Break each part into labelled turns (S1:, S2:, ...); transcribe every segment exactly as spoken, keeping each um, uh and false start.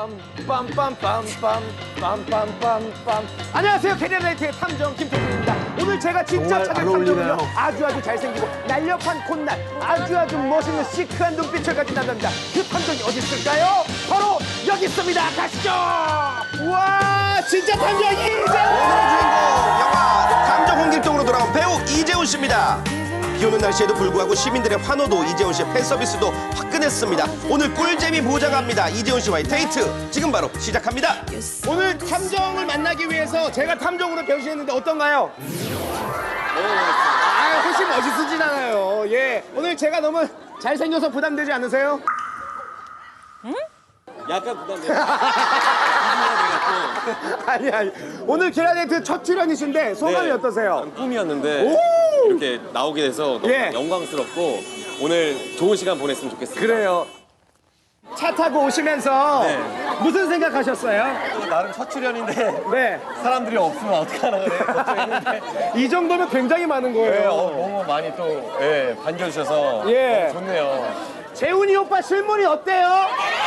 S1: 빰빰빰빰빰빰빰빰빰. 안녕하세요, 캐리어라이트의 탐정 김태균입니다. 오늘 제가 진짜 찾은 탐정은요, 아주 아주 잘생기고 날렵한 콧날, 아주 아주 멋있는 시크한 눈빛을 가진 남자입니다. 그 탐정이 어디 있을까요? 바로 여기 있습니다. 가시죠. 와, 진짜 탐정이 이재훈.
S2: 오늘의 주인공 영화 탐정 홍길동으로 돌아온 배우 이재훈 씨입니다. 비 오는 날씨에도 불구하고 시민들의 환호도 이재훈 씨의 팬서비스도 화끈했습니다. 오늘 꿀잼이 보장합니다. 이재훈 씨와의 데이트 지금 바로 시작합니다.
S1: 오늘 탐정을 만나기 위해서 제가 탐정으로 변신했는데 어떤가요? 아, 훨씬 멋있으진 않아요. 예, 오늘 제가 너무 잘생겨서 부담되지 않으세요?
S3: 약간 부담돼요.
S1: 아니 아니. 오늘 캐리어라이트 첫 출연이신데 소감이
S3: 네.
S1: 어떠세요?
S3: 꿈이었는데
S1: 오!
S3: 이렇게 나오게 돼서 너무
S1: 예.
S3: 영광스럽고 오늘 좋은 시간 보냈으면 좋겠습니다.
S1: 그래요. 차 타고 오시면서
S3: 네.
S1: 무슨 생각하셨어요?
S3: 나름 첫 출연인데
S1: 네.
S3: 사람들이 없으면 어떡하나 그래 걱정했는데
S1: 이 정도면 굉장히 많은 거예요.
S3: 네, 어, 너무 많이 또 예, 반겨주셔서
S1: 예.
S3: 너무 좋네요.
S1: 재훈이 오빠 실물이 어때요?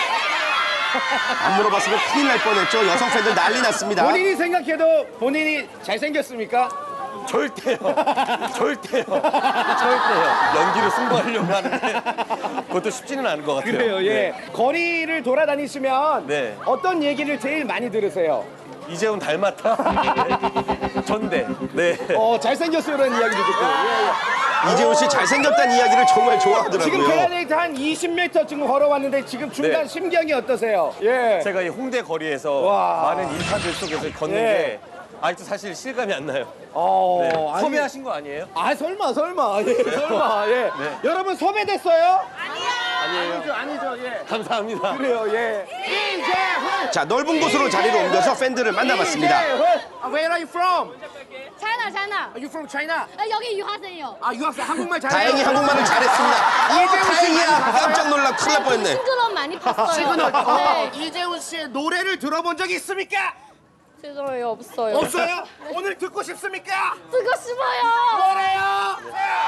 S2: 안 물어봤으면 큰일 날 뻔했죠. 여성 팬들 난리 났습니다.
S1: 본인이 생각해도 본인이 잘생겼습니까?
S3: 절대요. 절대요. 절대요. 연기로 승부하려고 하는데 그것도 쉽지는 않은 것 같아요.
S1: 그래요, 예.
S3: 네.
S1: 거리를 돌아다니시면
S3: 네.
S1: 어떤 얘기를 제일 많이 들으세요?
S3: 이재훈 닮았다. 전대. 네.
S1: 어, 잘생겼어요, 이런 이야기도 듣고. 예, 예.
S2: 이재훈 씨 잘생겼다는 이야기를 정말 좋아하더라고요.
S1: 지금 캐리어라이트 한 이십 미터 지금 걸어왔는데 지금 중간
S3: 네.
S1: 심경이 어떠세요? 예.
S3: 제가 이 홍대 거리에서
S1: 와.
S3: 많은 인파들 속에서 걷는
S1: 예.
S3: 게 아직도 사실 실감이 안 나요.
S1: 어,
S3: 네.
S1: 아니-
S3: 섭외하신 거 아니에요?
S1: 아, 설마, 설마. 예, 설마. 예.
S3: 네.
S1: 여러분, 섭외됐어요?
S3: 아니에요.
S1: 아니죠, 아니죠, 예.
S3: 감사합니다.
S1: 그래요, 예. 이재훈!
S2: 자, 넓은 곳으로 자리를 옮겨서 팬들을 만나봤습니다.
S1: 이재훈! 아, where are you from?
S4: 차이나 차이나.
S1: Are you from China?
S4: 아, 여기 유학생이요.
S1: 아, 유학생 한국말 잘해요?
S2: 다행히 한국말을 잘했습니다.
S1: 이재훈 씨
S2: 다행이야.
S1: 많이
S2: 깜짝 놀라 큰일 날 뻔했네.
S4: 시그널 많이 봤어요.
S1: 시그널.
S4: 네.
S1: 어, 이재훈 씨의 노래를 들어본 적이 있습니까?
S4: 시그널이 없어요.
S1: 없어요? 오늘 듣고 싶습니까?
S4: 듣고 싶어요.
S1: 뭐래요?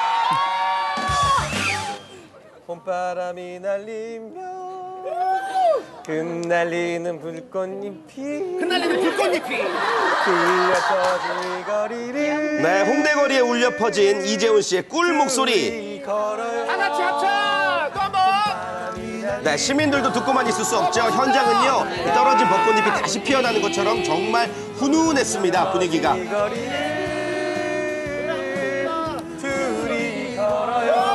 S3: 봄바람이 날리며 흩날리는 불꽃잎이
S1: 흩날리는 불꽃잎이.
S3: 들려 퍼진 이 거리를
S2: 네, 홍대 거리에 울려 퍼진 이재훈 씨의 꿀 목소리.
S3: 우리 걸어요.
S1: 다 같이 합쳐! 또 한번!
S2: 네, 시민들도 듣고만 있을 수 없죠. 현장은요, 이 떨어진 벚꽃잎이 다시 피어나는 것처럼 정말 훈훈했습니다, 분위기가.
S3: 이 거리를 둘이 걸어요.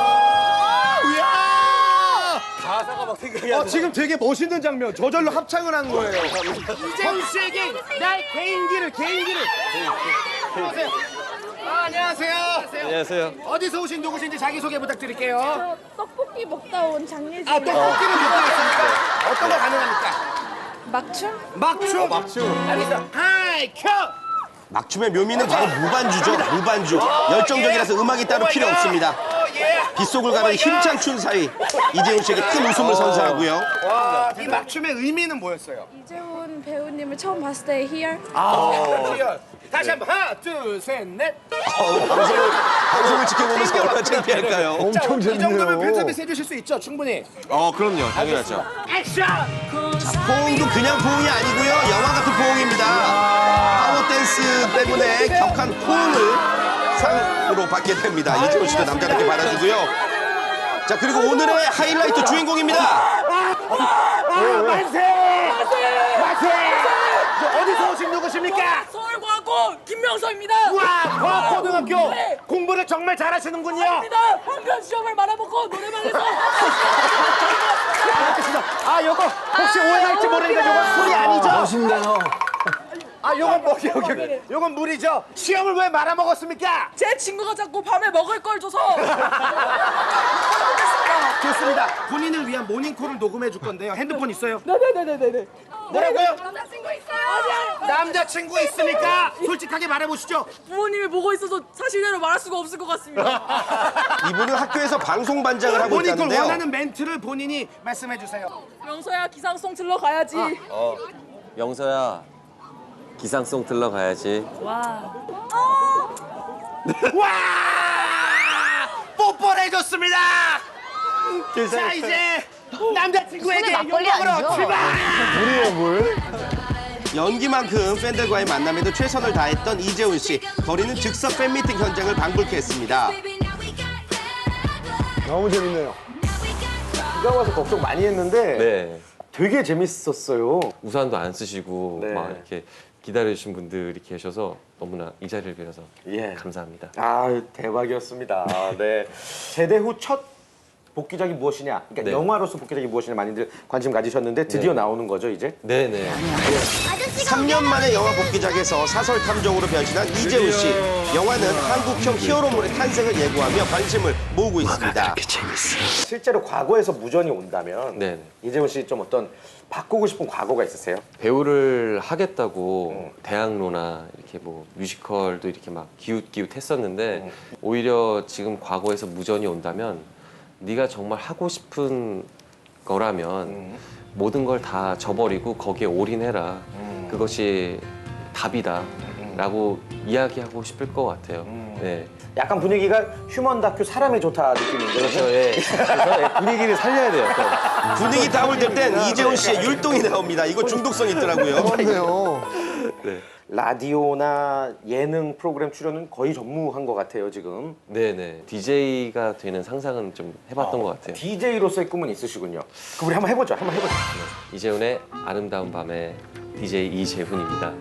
S1: 이야!
S3: 가사가 막 생각이 안
S1: 어,
S3: 나.
S1: 지금 되게 멋있는 장면. 저절로 합창을 한 거예요. 이재훈 씨에게 나의 개인기를, 개인기를. 안녕하세요. 아, 안녕하세요.
S3: 안녕하세요.
S1: 어디서 오신 누구신지 자기소개 부탁드릴게요.
S4: 저 떡볶이 먹다 온 장예진.
S1: 아, 떡볶이를 먹고 있습니까? 어떤 거 가능합니까?
S4: 막춤?
S1: 막춤.
S3: 막춤.
S1: 알겠어. 하이, 켜!
S2: 막춤의 묘미는 바로 무반주죠, 무반주. 열정적이라서 음악이 따로 필요 없습니다. 빗속을 가는 힘찬 춘 사이, 이재훈 씨에게 큰 웃음을 선사하고요.
S1: 와, 이 막춤의 의미는 뭐였어요?
S4: 이재훈 배우님을 처음 봤을 때 here.
S1: 아, 다시 한번 하나, 둘, 셋, 넷.
S2: 어, 방송을, 방송을 지켜보면서 얼마나 창피할까요?
S1: 엄청 재밌네요. 이 정도면 팬서비스 해주실 수 있죠, 충분히.
S3: 어, 그럼요. 당연하죠.
S1: 액션!
S2: 포옹도 그냥 포옹이 아니고요, 영화 같은 포옹입니다. 파워 댄스 때문에 격한 포옹을 상으로 받게 됩니다. 이재훈 씨도 남자답게 받아주고요. 자, 그리고 오늘의 하이라이트 주인공입니다.
S1: 아, 만세! 만세! 저 어디서 오신 누구십니까?
S5: 서울과학고 김명서입니다.
S1: 우와, 과학고등학교
S5: 네.
S1: 공부를 정말 잘하시는군요.
S5: 입니다. 한편 시험을 말아먹고 노래방에서
S1: 아, 요거 혹시 오해할지 모르니까 요건 술이 아니죠? 멋있네요. 아, 요건 뭐, 여기, 여기. 요건 물이죠? 시험을 왜 말아먹었습니까?
S5: 제 친구가 자꾸 밤에 먹을 걸 줘서
S1: 좋습니다. 본인을 위한 모닝콜을 녹음해 줄 건데요. 핸드폰 있어요?
S5: 네네네네네.
S1: 뭐라고요?
S4: 남자친구 있어요.
S1: 남자친구 있습니까? 솔직하게 말해보시죠.
S5: 부모님이 보고 있어서 사실대로 말할 수가 없을 것 같습니다.
S2: 이분은 학교에서 방송 반장을 하고
S1: 모닝콜
S2: 있다는데요.
S1: 원하는 멘트를 본인이 말씀해 주세요.
S5: 명서야 기상송 틀러 가야지.
S3: 어, 영서야. 기상송 틀러 가야지.
S5: 와.
S1: 와! 뽀뽀를 해줬습니다. 자, 이제 남자친구에게
S6: 손에 막걸리 아니죠?
S1: 물이에요 물.
S2: 연기만큼 팬들과의 만남에도 최선을 다했던 이재훈 씨. 거리는 즉석 팬미팅 현장을 방불케 했습니다.
S1: 너무 재밌네요. 비가 와서 걱정 많이 했는데
S3: 네.
S1: 되게 재밌었어요.
S3: 우산도 안 쓰시고
S1: 네.
S3: 막 이렇게 기다려주신 분들이 계셔서 너무나 이 자리를 빌어서
S1: 예.
S3: 감사합니다.
S1: 아 대박이었습니다. 네. 제대 후 첫 복귀작이 무엇이냐? 그러니까
S3: 네.
S1: 영화로서 복귀작이 무엇이냐 많이들 관심 가지셨는데 드디어
S3: 네.
S1: 나오는 거죠 이제?
S3: 네네.
S2: 삼 년 만에 영화 복귀작에서 사설 탐정으로 변신한 이재훈 씨. 영화는 한국형 히어로물의 탄생을 예고하며 관심을 모으고 있습니다.
S1: 실제로 과거에서 무전이 온다면
S3: 네네.
S1: 이재훈 씨 좀 어떤 바꾸고 싶은 과거가 있으세요?
S3: 배우를 하겠다고 대학로나 이렇게 뭐 뮤지컬도 이렇게 막 기웃기웃했었는데 오히려 지금 과거에서 무전이 온다면 네가 정말 하고 싶은 거라면 모든 걸 다 저버리고 거기에 올인해라. 그것이 답이다. 라고 이야기하고 싶을 것 같아요. 네.
S1: 약간 분위기가 휴먼 다큐 사람이 좋다 느낌인데
S3: 그렇죠. 예. 그래서 예, 분위기를 살려야 돼요. 또.
S2: 분위기 다울 땐 이재훈 씨의 율동이 나옵니다. 이거 중독성 있더라고요.
S3: 네.
S1: 라디오나 예능 프로그램 출연은 거의 전무한 것 같아요 지금.
S3: 네네. 디제이가 되는 상상은 좀 해봤던 것 같아요.
S1: 디제이로서의 꿈은 있으시군요. 그럼 우리 한번 해보죠. 한번 해보죠.
S3: 이재훈의 아름다운 밤의 디제이 이재훈입니다.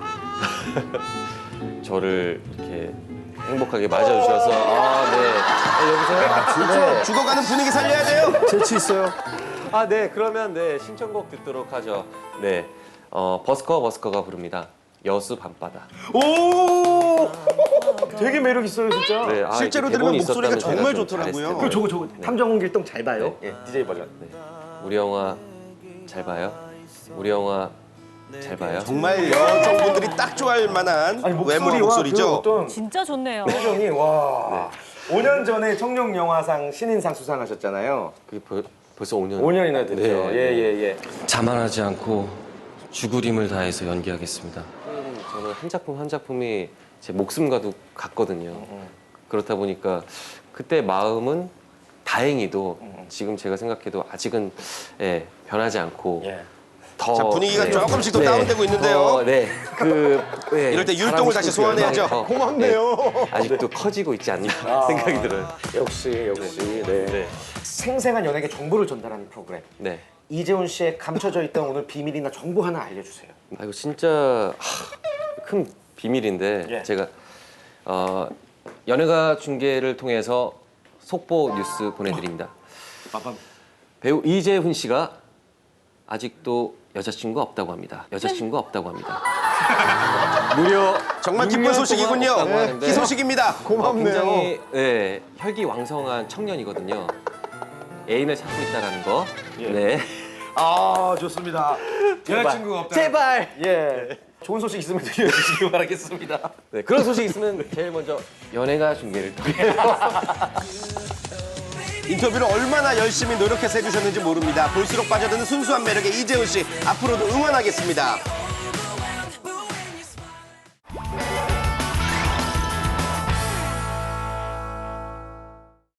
S3: 저를 이렇게 행복하게 맞아주셔서 아, 네. 네, 여보세요? 네.
S2: 죽어가는 분위기 살려야 돼요.
S1: 재치 있어요.
S3: 아, 네. 그러면 네 신청곡 듣도록 하죠. 네, 어, 버스커 버스커가 부릅니다. 여수 밤바다.
S1: 오, 되게 매력 있어요 진짜.
S3: 네, 아,
S2: 실제로
S3: 이렇게
S2: 들으면
S3: 대본이
S2: 목소리가
S3: 있었다면 제가
S2: 정말
S3: 좀
S2: 좋더라고요.
S3: 잘했을 텐데.
S1: 그 저거 저거 탐정 길동 잘 봐요. 예, 디제이 버전.
S3: 네. 우리 영화 잘 봐요. 우리 영화 잘 봐요.
S2: 정말 여성분들이 딱 좋아할 만한
S1: 아니
S2: 외모
S1: 목소리와
S2: 목소리죠.
S1: 그 어떤
S6: 진짜 좋네요.
S1: 표정이 와. 오 년 전에 청룡 영화상 신인상 수상하셨잖아요.
S3: 그게 벌, 벌써 오 년.
S1: 오 년이나 됐죠.
S3: 네.
S1: 예예 예.
S3: 자만하지 않고 죽으림을 다해서 연기하겠습니다. 저는 한 작품 한 작품이 제 목숨과도 같거든요. 그렇다 보니까 그때 마음은 다행히도 지금 제가 생각해도 아직은 예, 변하지 않고
S1: 예.
S3: 더
S2: 자, 분위기가 조금씩 더 다운되고 있는데요.
S3: 더, 네, 그 예,
S2: 이럴 때 율동을
S3: 잘하고
S2: 다시
S3: 싶은 그
S2: 소환해야죠.
S3: 열망이 더,
S1: 고맙네요.
S3: 네, 아직도 커지고 있지 않나 생각이 들어요.
S1: 역시 역시 네.
S3: 네,
S1: 생생한 연예계 정보를 전달하는 프로그램.
S3: 네.
S1: 이재훈 씨의 감춰져 있던 오늘 비밀이나 정보 하나 알려주세요.
S3: 아 이거 진짜 하, 큰 비밀인데
S1: 예.
S3: 제가 어, 연예가 중계를 통해서 속보 뉴스 보내드립니다. 배우 이재훈 씨가 아직도 여자친구 없다고 합니다. 여자친구 없다고 합니다. 무려
S2: 정말
S3: 육
S2: 기쁜
S3: 년
S2: 소식이군요.
S3: 동안 없다고 하는데
S2: 희소식입니다.
S3: 어, 굉장히 네, 혈기왕성한 청년이거든요. 애인을 찾고 있다라는 거. 네.
S1: 아 좋습니다.
S3: 여자친구가 없다. 제발.
S1: 예. 좋은 소식 있으면 들려주시기 바라겠습니다.
S3: 네, 그런 소식 있으면 제일 먼저 연예가 중계를 통해
S2: 인터뷰를 얼마나 열심히 노력해서 해주셨는지 모릅니다. 볼수록 빠져드는 순수한 매력의 이재훈 씨. 앞으로도 응원하겠습니다.